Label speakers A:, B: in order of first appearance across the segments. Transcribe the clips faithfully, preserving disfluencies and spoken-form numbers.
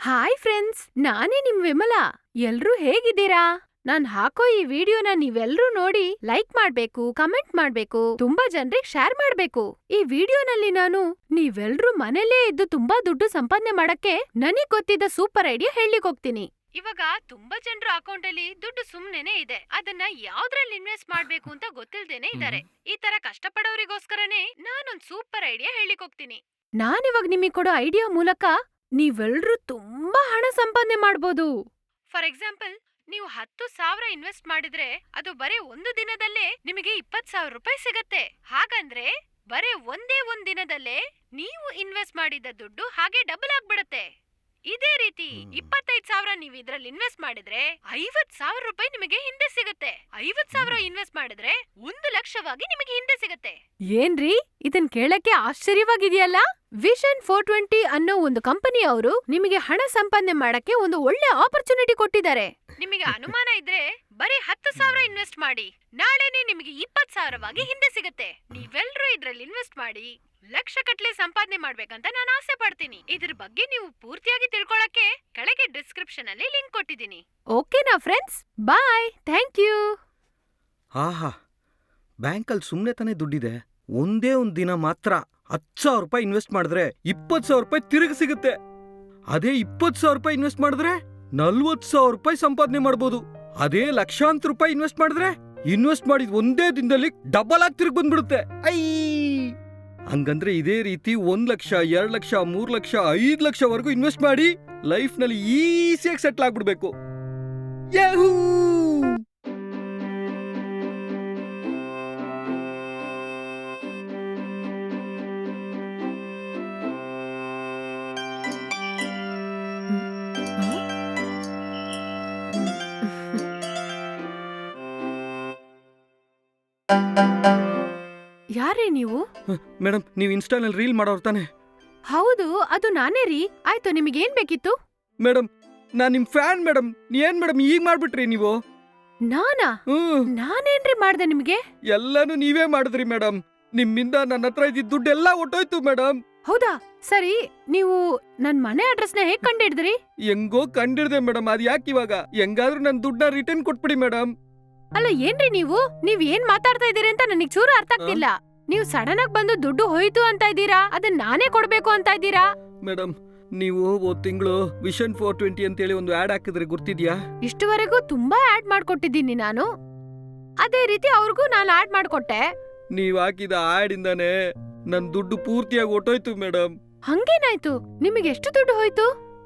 A: Hi friends, ನಾನೇ ನಿಮ್ ವಿಮಲಾ. ಎಲ್ರೂ ಹೇಗಿದ್ದೀರಾ? ನಾನ್ ಹಾಕೋ ಈ ವಿಡಿಯೋನ ನೀವೆಲ್ರೂ ನೋಡಿ ಲೈಕ್ ಮಾಡ್ಬೇಕು, ಕಮೆಂಟ್ ಮಾಡ್ಬೇಕು, ತುಂಬಾ ಜನ್ರಿಗ್ ಶೇರ್ ಮಾಡ್ಬೇಕು. ಈ ವಿಡಿಯೋನಲ್ಲಿ ನಾನು ನೀವೆಲ್ರೂ ಮನೇಲೇ ಇದ್ದು ತುಂಬಾ ದುಡ್ಡು ಸಂಪಾದನೆ ಮಾಡಕ್ಕೆ ನನಗ್ ಗೊತ್ತಿದ್ದ ಸೂಪರ್ ಐಡಿಯಾ ಹೇಳ್ಲಿಕ್ ಹೋಗ್ತೀನಿ. ಇವಾಗ ತುಂಬಾ ಜನರ ಅಕೌಂಟ್ ಅಲ್ಲಿ ದುಡ್ಡು ಸುಮ್ನೆನೆ ಇದೆ. ಅದನ್ನ ಯಾವ್ದ್ರಲ್ಲಿ ಇನ್ವೆಸ್ಟ್ ಮಾಡ್ಬೇಕು ಅಂತ ಗೊತ್ತಿಲ್ದೇನೆ ಇದಾರೆ. ಈ ತರ ಕಷ್ಟಪಡೋರಿಗೋಸ್ಕರನೇ ನಾನೊಂದ್ ಸೂಪರ್ ಐಡಿಯಾ ಹೇಳಿಕ್ ಹೋಗ್ತೀನಿ. ನಾನಿವಾಗ ನಿಮಗೆ ಕೊಡೋ ಐಡಿಯಾ ಮೂಲಕ ನೀವೆಲ್ರೂ ತುಂಬಾ ಹಣ ಸಂಪಾದನೆ ಮಾಡ್ಬೋದು. ಫಾರ್ ಎಕ್ಸಾಂಪಲ್, ನೀವು ಹತ್ತು ಸಾವಿರ ಇನ್ವೆಸ್ಟ್ ಮಾಡಿದ್ರೆ ಅದು ಬರೀ ಒಂದು ದಿನದಲ್ಲೇ ನಿಮಗೆ ಇಪ್ಪತ್ ಸಾವಿರ ರೂಪಾಯಿ ಸಿಗತ್ತೆ. ಹಾಗಂದ್ರೆ ಬರೀ ಒಂದೇ ಒಂದ್ ದಿನದಲ್ಲೇ ನೀವು ಇನ್ವೆಸ್ಟ್ ಮಾಡಿದ ದುಡ್ಡು ಹಾಗೆ ಡಬಲ್ ಆಗ್ಬಿಡತ್ತೆ. ಇದೇ ರೀತಿ ಇಪ್ಪತ್ತೈದು ಸಾವಿರ ನೀವು ಇದ್ರಲ್ಲಿ ಇನ್ವೆಸ್ಟ್ ಮಾಡಿದ್ರೆ ಐವತ್ ಸಾವಿರ ರೂಪಾಯಿ ನಿಮಗೆ ಹಿಂದೆ ಸಿಗತ್ತೆ. ಐವತ್ ಸಾವಿರ ಇನ್ವೆಸ್ಟ್ ಮಾಡಿದ್ರೆ ಒಂದು ಲಕ್ಷವಾಗಿ ನಿಮಗೆ ಹಿಂದೆ ಸಿಗತ್ತೆ. ಏನ್ರಿ, ಇದನ್ ಕೇಳಕ್ಕೆ ಆಶ್ಚರ್ಯವಾಗಿದೆಯಲ್ಲ? ವಿಷನ್ ಫೋರ್ ಟ್ವೆಂಟಿ ಅನ್ನೋ ಒಂದು ಕಂಪನಿ ಅವರು ನಿಮಗೆ ಹಣ ಸಂಪಾದನೆ ಮಾಡಕ್ಕೆ ಒಂದು ಒಳ್ಳೆ ಆಪರ್ಚುನಿಟಿ ಕೊಟ್ಟಿದ್ದಾರೆ. ನಿಮಗೆ ಅನುಮಾನ ಇದ್ರೆ ಬರೀ ಹತ್ತು ಸಾವಿರ ಇನ್ವೆಸ್ಟ್ ಮಾಡಿ, ನಾಳೆನೆ ನಿಮಗೆ ಇಪ್ಪತ್ ಸಾವಿರವಾಗಿ ಹಿಂದೆ ಸಿಗತ್ತೆ. ನೀವೆಲ್ರೂ ಇದ್ರಲ್ಲಿ ಇನ್ವೆಸ್ಟ್ ಮಾಡಿ ಲಕ್ಷ ಕಟ್ಲೆ ಸಂಪಾದನೆ ಮಾಡ್ಬೇಕಂತ ನಾನು ಆಸೆ ಪಡ್ತೀನಿ. ಇದ್ರ ಬಗ್ಗೆ ನೀವು ಪೂರ್ತಿಯಾಗಿ ತಿಳ್ಕೊಳಕ್ಕೆ ಕೆಳಗೆ ಡಿಸ್ಕ್ರಿಪ್ಷನ್ ಅಲ್ಲಿ ಲಿಂಕ್ ಕೊಟ್ಟಿದ್ದೀನಿ. ಓಕೆನಾ ಫ್ರೆಂಡ್ಸ್? Bye, thank you.
B: ಆಹಾ, ಬ್ಯಾಂಕಲ್ಲಿ ಸುಮ್ಮನೆ ತಾನೇ ದುಡ್ಡಿದೆ. ಒಂದೇ ಒಂದ್ ದಿನ ಮಾತ್ರ ಹತ್ತು ಸಾವಿರ ರೂಪಾಯಿ ಇನ್ವೆಸ್ಟ್ ಮಾಡಿದ್ರೆ ಇಪ್ಪತ್ತು ಸಾವಿರ ರೂಪಾಯಿ ತಿರುಗಿ ಸಿಗುತ್ತೆ. ಅದೇ ಇಪ್ಪತ್ತು ಸಾವಿರ ರೂಪಾಯಿ ಇನ್ವೆಸ್ಟ್ ಮಾಡಿದ್ರೆ ನಲ್ವತ್ತು ಸಾವಿರ ರೂಪಾಯಿ ಸಂಪಾದನೆ ಮಾಡ್ಬೋದು. ಅದೇ ಲಕ್ಷಾಂತರ ರೂಪಾಯಿ ಇನ್ವೆಸ್ಟ್ ಮಾಡಿದ್ರೆ ಇನ್ವೆಸ್ಟ್ ಮಾಡಿದ ಒಂದೇ ದಿನದಲ್ಲಿ ಡಬಲ್ ಆಗಿ ತಿರುಗಿ ಬಂದ್ಬಿಡುತ್ತೆ. ಐ ಹಂಗಂದ್ರೆ ಇದೇ ರೀತಿ ಒಂದ್ ಲಕ್ಷ, ಎರಡ್ ಲಕ್ಷ, ಮೂರ್ ಲಕ್ಷ, ಐದ್ ಲಕ್ಷವರೆಗೂ ಇನ್ವೆಸ್ಟ್ ಮಾಡಿ ಲೈಫ್ ನಲ್ಲಿ ಈಸಿಯಾಗಿ ಸೆಟ್ಲ್ ಆಗ್ಬಿಡ್ಬೇಕು. ಯಾಹೂ!
A: ಯಾರೇ ನೀವು?
B: ಮೇಡಮ್, ನೀವು ಇನ್ಸ್ಟಾನಲ್ಲಿ ರೀಲ್ ಮಾಡೋರು ತಾನೆ?
A: ಹೌದು, ಅದು ನಾನೇ ರೀ. ಆಯ್ತು, ನಿಮಗೇನ್ ಬೇಕಿತ್ತು?
B: ಮೇಡಮ್, ನಾನ್ ನಿಮ್ ಫ್ಯಾನ್ ಮೇಡಮ್. ಏನ್ ಮೇಡಮ್ ಈಗ ಮಾಡ್ಬಿಟ್ರಿ ನೀವು?
A: ನಾನಾ?
B: ಹ್ಮ್,
A: ನಾನೇನ್ರಿ ಮಾಡ್ದೆ ನಿಮ್ಗೆ?
B: ಎಲ್ಲಾನು ನೀವೇ ಮಾಡಿದ್ರಿ ಮೇಡಮ್. ನಿಮ್ಮಿಂದ ನನ್ನ ಹತ್ರ ಇದ್ದಿದ್ದ ದುಡ್ಡೆಲ್ಲ ಹೊಟ್ಟೋಯ್ತು ಮೇಡಮ್.
A: ಹೌದಾ? ಸರಿ, ನೀವು ನನ್ ಮನೆ ಅಡ್ರೆಸ್ನ ಹೇಗ್ ಕಂಡಿಡಿದ್ರಿ?
B: ಹೆಂಗೋ ಕಂಡಿಡ್ದೆ ಮೇಡಮ್. ಅದ್ ಯಾಕೆ ಇವಾಗ? ಹೆಂಗಾದ್ರೂ ನನ್ ದುಡ್ಡನ್ನ ರಿಟರ್ನ್ ಕೊಟ್ಬಿಡಿ ಮೇಡಮ್.
A: ಅಲ್ಲ, ಏನ್ರಿ ನೀವು? ನೀವ್ ಏನ್ ಮಾತಾಡ್ತಾ ಇದೀರಿ ಅಂತ ನನಗ್ ಚೂರು ಅರ್ಥ ಆಗ್ತಿಲ್ಲ. ನೀವು ಸಡನ್ ಆಗಿ ಬಂದು ದುಡ್ಡು ಹೋಯ್ತು ಅಂತ ಇದ್ದೀರಾ, ಅದನ್ನ ನಾನೇ ಕೊಡ್ಬೇಕು ಅಂತ ಇದ್ದೀರಾ?
B: ಮೇಡಮ್, ನೀವು ಹೋದ್ ತಿಂಗಳು ವಿಷನ್ ಫೋರ್ ಟ್ವೆಂಟಿ ಅಂತ ಹೇಳಿ ಒಂದು ಆಡ್ ಹಾಕಿದ್ರೆ ಗುರ್ತಿದ್ಯಾ?
A: ಇಷ್ಟುವರೆಗೂ ತುಂಬಾ ಆಡ್ ಮಾಡ್ಕೊಟ್ಟಿದ್ದೀನಿ ನಾನು. ಅದೇ ರೀತಿ ಅವ್ರಿಗೂ ನಾನು ಆಡ್ ಮಾಡ್ಕೊಟ್ಟೆ.
B: ನೀವ್ ಹಾಕಿದ ಆಡ್ ಇಂದಾನೆ ನನ್ ದುಡ್ಡು ಪೂರ್ತಿಯಾಗಿ ಹೊಟ್ಟೋಯ್ತು ಮೇಡಮ್.
A: ಹಂಗೇನಾಯ್ತು? ನಿಮಗೆ ಎಷ್ಟು ದುಡ್ಡು ಹೋಯ್ತು?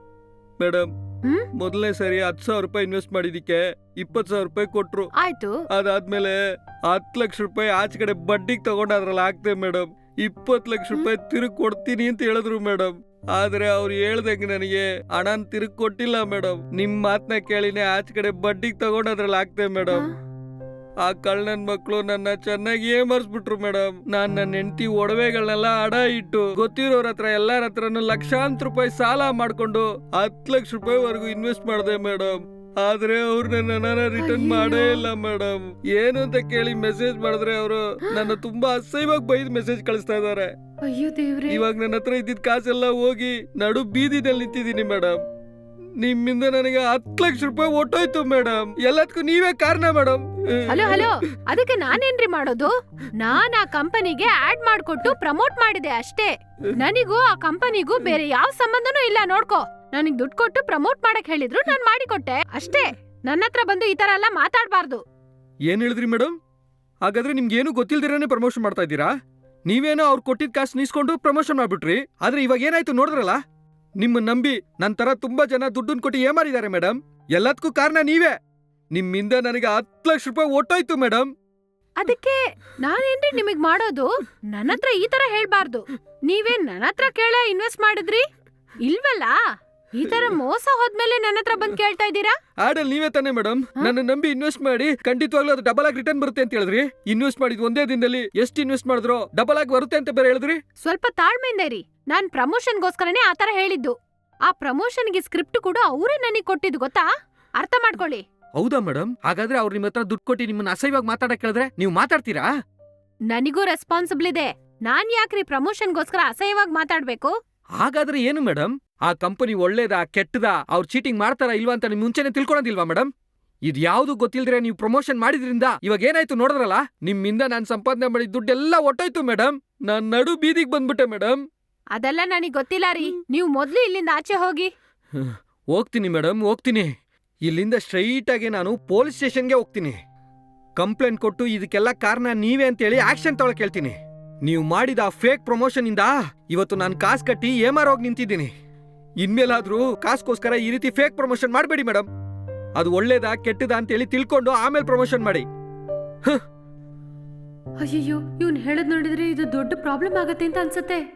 B: Madam,
A: hmm?
B: ಮೊದಲನೇ ಸರಿ ಹತ್ತು ಸಾವಿರ ರೂಪಾಯಿ ಇನ್ವೆಸ್ಟ್ ಮಾಡಿದಿಕ್ಕೆ ಇಪ್ಪತ್ತು ಸಾವಿರ ರೂಪಾಯಿ ಕೊಟ್ರು.
A: ಆಯ್ತು.
B: ಅದಾದ್ಮೇಲೆ ಹತ್ತು ಲಕ್ಷ ರೂಪಾಯಿ ಆಚೆ ಕಡೆ ಬಡ್ಡಿಗೆ ತಗೊಂಡು ಅದ್ರಲ್ಲಿ ಹಾಕ್ತೆ ಮೇಡಮ್. ಇಪ್ಪತ್ತು ಲಕ್ಷ ರೂಪಾಯಿ ತಿರುಗ್ ಕೊಡ್ತೀನಿ ಅಂತ ಹೇಳಿದ್ರು ಮೇಡಮ್. ಆದ್ರೆ ಅವ್ರು ಹೇಳ್ದಂಗೆ ನನಗೆ ಹಣನ್ ತಿರುಗ್ ಕೊಟ್ಟಿಲ್ಲ ಮೇಡಮ್. ನಿಮ್ ಮಾತನ್ನ ಕೇಳಿನೇ ಆಚೆ ಕಡೆ ಬಡ್ಡಿಗೆ ತಗೊಂಡು ಅದ್ರಲ್ಲಿ ಹಾಕ್ತೆ ಮೇಡಮ್. ಆ ಕಳ್ಳನ್ ಮಕ್ಳು ನನ್ನ ಚೆನ್ನಾಗಿ ಏಮರ್ಸ್ಬಿಟ್ರು ಮೇಡಮ್. ನಾನ್ ನನ್ನ ಹೆಂಡತಿ ಒಡವೆಗಳನ್ನೆಲ್ಲ ಅಡ ಇಟ್ಟು ಗೊತ್ತಿರೋರ ಹತ್ರ ಎಲ್ಲಾರ ಹತ್ರನು ಲಕ್ಷಾಂತರ ರೂಪಾಯಿ ಸಾಲ ಮಾಡ್ಕೊಂಡು ಹತ್ತು ಲಕ್ಷ ರೂಪಾಯಿ ವರೆಗೂ ಇನ್ವೆಸ್ಟ್ ಮಾಡಿದೆ ಮೇಡಮ್. ಆದ್ರೆ ಅವ್ರು ನನ್ನ ರಿಟರ್ನ್ ಮಾಡೇ ಇಲ್ಲ ಮೇಡಮ್. ಏನು ಅಂತ ಕೇಳಿ ಮೆಸೇಜ್ ಮಾಡಿದ್ರೆ ಅವರು ನನ್ನ ತುಂಬಾ ಅಸಹ್ಯವಾಗಿ ಬೈದ್ ಮೆಸೇಜ್ ಕಳಿಸ್ತಾ ಇದಾರೆ.
A: ಅಯ್ಯೋ ದೇವ್ರೇ!
B: ಇವಾಗ ನನ್ನ ಹತ್ರ ಇದ್ದಿದ್ ಕಾಸೆಲ್ಲ ಹೋಗಿ ನಡು ಬೀದಿನಲ್ಲಿ ನಿಂತಿದ್ದೀನಿ ಮೇಡಮ್. ನಿಮ್ಮಿಂದ ನನಗೆ ಹತ್ತು ಲಕ್ಷ ರೂಪಾಯಿ ಒಟ್ಟೋಯ್ತು ಮೇಡಮ್. ಎಲ್ಲದಕ್ಕೂ ನೀವೇ ಕಾರಣ ಮೇಡಮ್.
A: ಹಲೋ ಹಲೋ, ಅದಕ್ಕೆ ನಾನೇನ್ರಿ ಮಾಡೋದು? ನಾನ್ ಆ ಕಂಪನಿಗೆ ಆಡ್ ಮಾಡ್ಕೊಟ್ಟು ಪ್ರಮೋಟ್ ಮಾಡಿದೆ ಅಷ್ಟೇ. ನನಗೂ ಆ ಕಂಪನಿಗೂ ಬೇರೆ ಯಾವ ಸಂಬಂಧನೂ ಇಲ್ಲ. ನೋಡ್ಕೋ, ನನಗ್ ದುಡ್ಡು ಕೊಟ್ಟು ಪ್ರಮೋಟ್ ಮಾಡಕ್ ಹೇಳಿದ್ರು, ನಾನ್ ಮಾಡಿಕೊಟ್ಟೆ ಅಷ್ಟೇ. ನನ್ನ ಹತ್ರ ಬಂದು ಈ ತರ ಎಲ್ಲ ಮಾತಾಡ್ಬಾರ್ದು.
B: ಏನ್ ಹೇಳಿದ್ರಿ ಮೇಡಮ್? ಹಾಗಾದ್ರೆ ನಿಮ್ಗೆ ಏನು ಗೊತ್ತಿಲ್ದಿರಾನೆ ಪ್ರಮೋಷನ್ ಮಾಡ್ತಾ ಇದ್ದೀರಾ? ನೀವೇನೋ ಅವ್ರು ಕೊಟ್ಟಿದ್ ಕಾಸು ನೀಸ್ಕೊಂಡು ಪ್ರಮೋಷನ್ ಮಾಡ್ಬಿಟ್ರಿ. ಆದ್ರೆ ಇವಾಗ ಏನಾಯ್ತು ನೋಡಿದ್ರಲ್ಲ? ನಿಮ್ಮ ನಂಬಿ ನನ್ ತರ ತುಂಬಾ ಜನ ದುಡ್ಡನ್ ಕೊಟ್ಟು ಏಮಾರಿದ್ದಾರೆ ಮೇಡಮ್. ಎಲ್ಲದಕ್ಕೂ ಕಾರಣ ನೀವೇ. ನಿಮ್ಮಿಂದ ನನಗೆ ಹತ್ತು ಲಕ್ಷ ರೂಪಾಯಿ ಒಟ್ಟೋಯ್ತು ಮೇಡಮ್.
A: ಅದಕ್ಕೆ ನಾನೇನ್ರಿ ನಿಮಗ್ ಮಾಡೋದು? ನನ್ನ ಹತ್ರ ಈ ತರ ಹೇಳ್ಬಾರ್ದು. ನೀವೇನ್ ನನ್ನ ಹತ್ರ ಕೇಳ ಇನ್ವೆಸ್ಟ್ ಮಾಡಿದ್ರಿ? ಇಲ್ವಲ್ಲ. ಈ ತರ ಮೋಸ ಹೋದ್ಮೇಲೆ ನನ್ನ ಹತ್ರ ಬಂದ್ ಕೇಳ್ತಾ ಇದ್ದೀರಾ?
B: ಆಡಲ್ ನೀವೇ ತಾನೆ ಮೇಡಮ್ ನನ್ನ ನಂಬಿ ಇನ್ವೆಸ್ಟ್ ಮಾಡಿ ಖಂಡಿತವಾಗ್ಲೂ ಅದು ಡಬಲ್ ಆಗಿ ರಿಟರ್ನ್ ಬರುತ್ತೆ ಅಂತ ಹೇಳಿದ್ರಿ. ಇನ್ವೆಸ್ಟ್ ಮಾಡಿದ್ ಒಂದೇ ದಿನದಲ್ಲಿ ಎಷ್ಟು ಇನ್ವೆಸ್ಟ್ ಮಾಡಿದ್ರು ಡಬಲ್ ಆಗಿ ಬರುತ್ತೆ ಅಂತ ಬೇರೆ ಹೇಳಿದ್ರಿ.
A: ಸ್ವಲ್ಪ ತಾಳ್ಮೆಯಿಂದ ಇರಿ. ನಾನ್ ಪ್ರಮೋಷನ್ಗೋಸ್ಕರನೇ ಆತರ ಹೇಳಿದ್ದು. ಆ ಪ್ರಮೋಷನ್ಗೆ ಸ್ಕ್ರಿಪ್ಟ್ ಕೂಡ ಅವರೇ ನನಗೆ ಕೊಟ್ಟಿದ್ದು, ಗೊತ್ತಾ? ಅರ್ಥ ಮಾಡ್ಕೊಳ್ಳಿ.
B: ಹೌದಾ ಮೇಡಮ್? ಹಾಗಾದ್ರೆ ಅವ್ರು ನಿಮ್ಮ ಹತ್ರ ದುಡ್ಡು ಕೊಟ್ಟು ನಿಮ್ಮನ್ನ ಅಸಹ್ಯವಾಗಿ ಮಾತಾಡಕ್ ಕೇಳಿದ್ರೆ ನೀವು ಮಾತಾಡ್ತೀರಾ?
A: ನನಗೂ ರೆಸ್ಪಾನ್ಸಿಬಲ್ ಇದೆ. ನಾನ್ ಯಾಕ್ರಿ ಪ್ರಮೋಷನ್ಗೋಸ್ಕರ ಅಸಹ್ಯವಾಗಿ ಮಾತಾಡ್ಬೇಕು?
B: ಹಾಗಾದ್ರೆ ಏನು ಮೇಡಮ್? ಆ ಕಂಪನಿ ಒಳ್ಳೇದಾ ಕೆಟ್ಟದಾ ಅವ್ರು ಚೀಟಿಂಗ್ ಮಾಡ್ತಾರಾ ಇಲ್ವಾ ಅಂತ ನಿಮ್ ಮುಂಚೆನೆ ತಿಳ್ಕೊಳೋದಿಲ್ವಾ ಮೇಡಮ್? ಇದು ಯಾವ್ದು ಗೊತ್ತಿಲ್ದ್ರೆ ನೀವು ಪ್ರಮೋಷನ್ ಮಾಡಿದ್ರಿಂದ ಇವಾಗ ಏನಾಯ್ತು ನೋಡಿದ್ರಲ್ಲ, ನಿಮ್ಮಿಂದ ನಾನ್ ಸಂಪಾದನೆ ಮಾಡಿದ ದುಡ್ಡೆಲ್ಲ ಒಟ್ಟೋಯ್ತು ಮೇಡಮ್. ನಾನ್ ನಡು ಬೀದಿಗೆ ಬಂದ್ಬಿಟ್ಟೆ ಮೇಡಮ್.
A: ಅದೆಲ್ಲ ನನಗ್ ಗೊತ್ತಿಲ್ಲ ರೀ. ನೀವು ಮೊದ್ಲು ಇಲ್ಲಿಂದ ಆಚೆ ಹೋಗಿ.
B: ಹೋಗ್ತೀನಿ ಮೇಡಮ್, ಹೋಗ್ತೀನಿ. ಇಲ್ಲಿಂದ ಸ್ಟ್ರೈಟ್ ಆಗಿ ನಾನು ಪೊಲೀಸ್ ಸ್ಟೇಷನ್ಗೆ ಹೋಗ್ತೀನಿ. ಕಂಪ್ಲೇಂಟ್ ಕೊಟ್ಟು ಇದಕ್ಕೆಲ್ಲ ಕಾರಣ ನೀವೇ ಅಂತೇಳಿ ಆಕ್ಷನ್ ತಗೊಳಕ್ ಹೇಳ್ತೀನಿ. ನೀವು ಮಾಡಿದ ಆ ಫೇಕ್ ಪ್ರಮೋಷನ್ ಇಂದ ಇವತ್ತು ನಾನು ಕಾಸು ಕಟ್ಟಿ ಏಮಾರೋಗಿ ನಿಂತಿದ್ದೀನಿ. ಇನ್ಮೇಲಾದ್ರೂ ಕಾಸ್ಗೋಸ್ಕರ ಈ ರೀತಿ ಫೇಕ್ ಪ್ರಮೋಷನ್ ಮಾಡಬೇಡಿ ಮೇಡಮ್. ಅದು ಒಳ್ಳೇದಾ ಕೆಟ್ಟದಾ ಅಂತೇಳಿ ತಿಳ್ಕೊಂಡು ಆಮೇಲೆ ಪ್ರಮೋಷನ್ ಮಾಡಿ.
A: ಅಯ್ಯಯ್ಯೋ, ಇವ್ನ್ ಹೇಳದ್ ನೋಡಿದ್ರೆ ಇದು ದೊಡ್ಡ ಪ್ರಾಬ್ಲಮ್ ಆಗತ್ತೆ ಅಂತ ಅನ್ಸತ್ತೆ.